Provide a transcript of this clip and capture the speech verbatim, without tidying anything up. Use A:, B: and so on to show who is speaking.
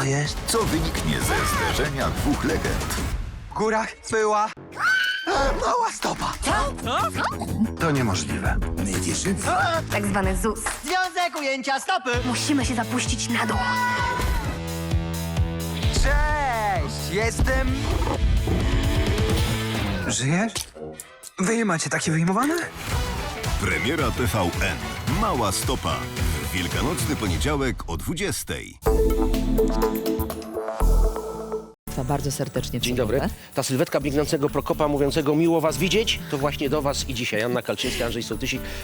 A: jest?
B: Co wyniknie ze zderzenia dwóch legend?
A: W górach była mała stopa. To niemożliwe.
B: My wierzymy.
C: Tak zwany Z U S.
D: Związek ujęcia stopy.
C: Musimy się zapuścić na dół.
A: Cześć, jestem... Żyjesz? Wy nie macie takie wyjmowane?
B: Premiera T V N. Mała stopa. W Wielkanocny poniedziałek o dwudziestej.
E: Bardzo serdecznie
F: Dzień dobry. Ta sylwetka biegnącego Prokopa mówiącego miło was widzieć, to właśnie do was i dzisiaj. Anna Kalczyńska, Andrzej Sołtysik.